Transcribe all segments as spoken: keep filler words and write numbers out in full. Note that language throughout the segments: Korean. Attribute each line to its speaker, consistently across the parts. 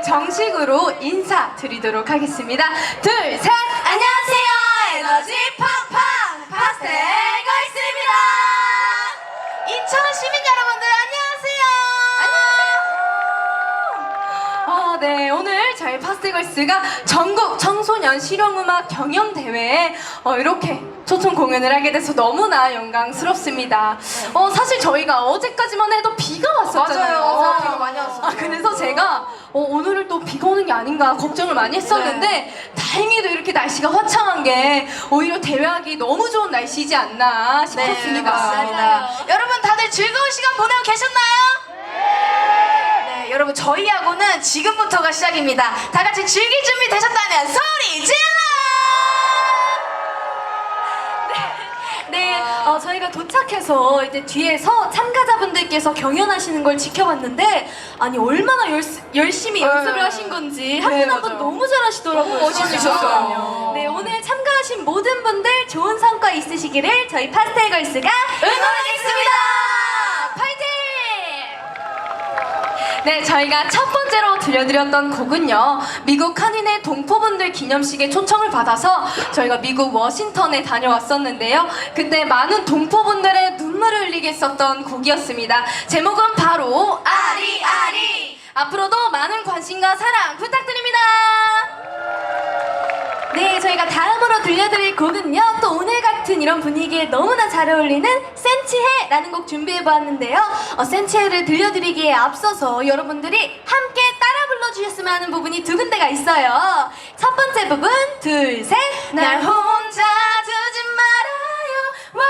Speaker 1: 정식으로 인사드리도록 하겠습니다. 둘, 셋! 안녕하세요! 에너지 팡팡! 파스텔 걸스입니다! 인천 시민 여러분들 안녕하세요! 안녕하세요! 어, 네, 오늘 저희 파스텔 걸스가 전국 청소년 실용음악 경연대회에 어, 이렇게 초청 공연을 하게 돼서 너무나 영광스럽습니다. 어, 사실 저희가 어제까지만 해도 비가 왔었잖아요.
Speaker 2: 맞아요. 맞아요. 비가 많이 왔었어요.
Speaker 1: 아, 그래서 제가 어, 오늘은 또 비가 오는 게 아닌가 걱정을 많이 했었는데
Speaker 2: 네.
Speaker 1: 다행히도 이렇게 날씨가 화창한 게 오히려 대회하기 너무 좋은 날씨지 않나 싶었습니다.
Speaker 2: 네, 맞습니다. 여러분 다들 즐거운 시간 보내고 계셨나요? 네, 여러분 저희하고는 지금부터가 시작입니다. 다 같이 즐길 준비 되셨다면 소리 질러!
Speaker 1: 네, 어, 저희가 도착해서 이제 뒤에서 참가자분들께서 경연하시는 걸 지켜봤는데 아니 얼마나 열, 열심히
Speaker 2: 네.
Speaker 1: 연습을 하신 건지 한 분
Speaker 2: 네,
Speaker 1: 한 분
Speaker 2: 맞아요.
Speaker 1: 너무 잘하시더라고요.
Speaker 2: 너무 멋있으셨어요.
Speaker 1: 네, 오늘 참가하신 모든 분들 좋은 성과 있으시기를 저희 파스텔 걸스가
Speaker 2: 응원하겠습니다!
Speaker 1: 파이팅! 네, 저희가 첫 번째로 들려드렸던 곡은요, 미국 한인의 동포분들 기념식에 초청을 받아서 저희가 미국 워싱턴에 다녀왔었는데요. 그때 많은 동포분들의 눈물을 흘리게 했었던 곡이었습니다. 제목은 바로 아리아리! 앞으로도 많은 관심과 사랑 부탁드립니다. 네, 저희가 다음으로 들려드릴 곡은요, 또 오늘 같은 이런 분위기에 너무나 잘 어울리는 센치해라는 곡 준비해보았는데요. 어, 센치해를 들려드리기에 앞서서 여러분들이 함께 따라 불러주셨으면 하는 부분이 두 군데가 있어요. 첫 번째 부분, 둘, 셋. 날 혼자 두지 말아요.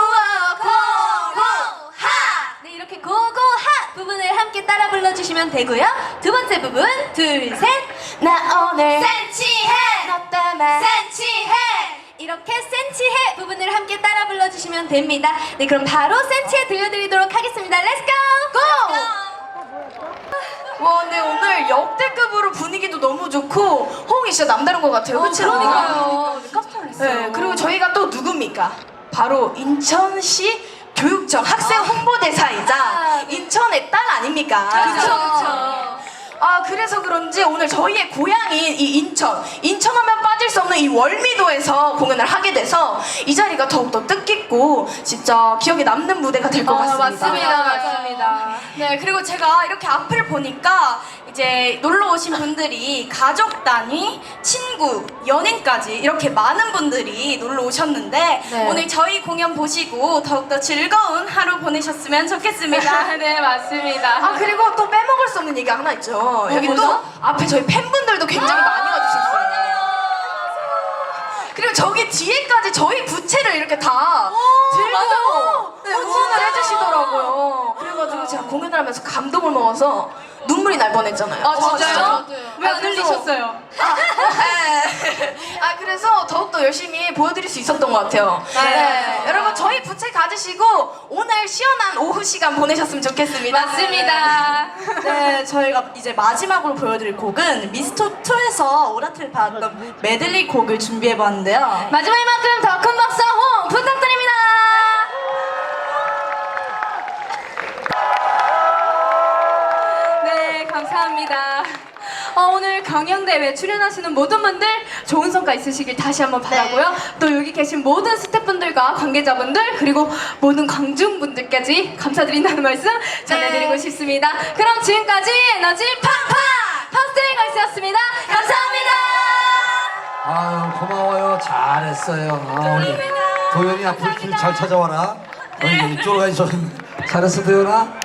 Speaker 1: 고고하. 네, 이렇게 고고하 부분을 함께 따라 불러주시면 되고요. 두 번째 부분, 둘, 셋. 나 오늘 센치해. 너 때문에 센치해. 이렇게 센치해 부분을 함께 따라 불러주시면 됩니다. 네, 그럼 바로 센치해 들려드리도록 하겠습니다. 렛츠고! 고!
Speaker 2: 와, 근데 오늘 역대급으로 분위기도 너무 좋고 호응이 진짜 남다른 것 같아요. 그치?
Speaker 1: 그러니까요. 깜짝 놀랐어요.
Speaker 2: 네, 그리고 저희가 또 누굽니까? 바로 인천시 교육청 학생 홍보대사이자 인천의 딸 아닙니까?
Speaker 1: 그렇죠, 그렇죠.
Speaker 2: 아, 그래서 그런지 오늘 저희의 고향인 이 인천, 인천하면 빠질 수 없는 이 월미도에서 공연을 하게 돼서 이 자리가 더욱더 뜻깊고 진짜 기억에 남는 무대가 될 것
Speaker 1: 아,
Speaker 2: 같습니다.
Speaker 1: 맞습니다, 맞습니다.
Speaker 2: 네, 그리고 제가 이렇게 앞을 보니까 이제 놀러 오신 분들이 가족 단위, 친구, 연인까지 이렇게 많은 분들이 놀러 오셨는데
Speaker 1: 네.
Speaker 2: 오늘 저희 공연 보시고 더욱더 즐거운 하루 보내셨으면 좋겠습니다.
Speaker 1: 네, 맞습니다.
Speaker 2: 아, 그리고 또 빼먹을 수 없는 얘기 하나 있죠. 여기 또
Speaker 1: 뭐죠?
Speaker 2: 앞에 저희 팬분들도 굉장히 많이 와주셨어요. 그리고 저기 뒤에까지 저희 부채를 이렇게 다 들고
Speaker 1: 맞아요.
Speaker 2: 네,
Speaker 1: 어,
Speaker 2: 응원을
Speaker 1: 진짜.
Speaker 2: 해주시더라고요. 그래가지고 제가 공연을 하면서 감동을 먹어서 눈물이 날 뻔했잖아요.
Speaker 1: 아, 진짜요?
Speaker 2: 진짜?
Speaker 1: 왜 안
Speaker 2: 아, 그래서-
Speaker 1: 흘리셨어요?
Speaker 2: 아, 네. 아, 그래서 더욱더 열심히 보여드릴 수 있었던 것 같아요.
Speaker 1: 네.
Speaker 2: 여러분 저희 부채 가지시고 오늘 시원한 오후 시간 보내셨으면 좋겠습니다.
Speaker 1: 맞습니다.
Speaker 3: 네, 저희가 이제 마지막으로 보여드릴 곡은 미스터투에서 오라트를 받았던 메들리 곡을 준비해봤는데요.
Speaker 1: 마지막인 만큼 더 큰 박수 호응 부탁드립니다. 네, 감사합니다. 어, 오늘 경연대회 출연하시는 모든 분들 좋은 성과 있으시길 다시 한번 바라고요. 또 여기 계신 모든 스태프분들과 관계자분들 그리고 모든 관중분들까지 감사드린다는 말씀 전해드리고 싶습니다. 그럼 지금까지 에너지 팡팡 파스텔 걸스였습니다. 감사합니다.
Speaker 4: 아유 고마워요. 잘했어요. 아, 우리 도연이 앞으로 길 잘 찾아와라. 어, 이쪽으로 가야지. 잘했어 도연아.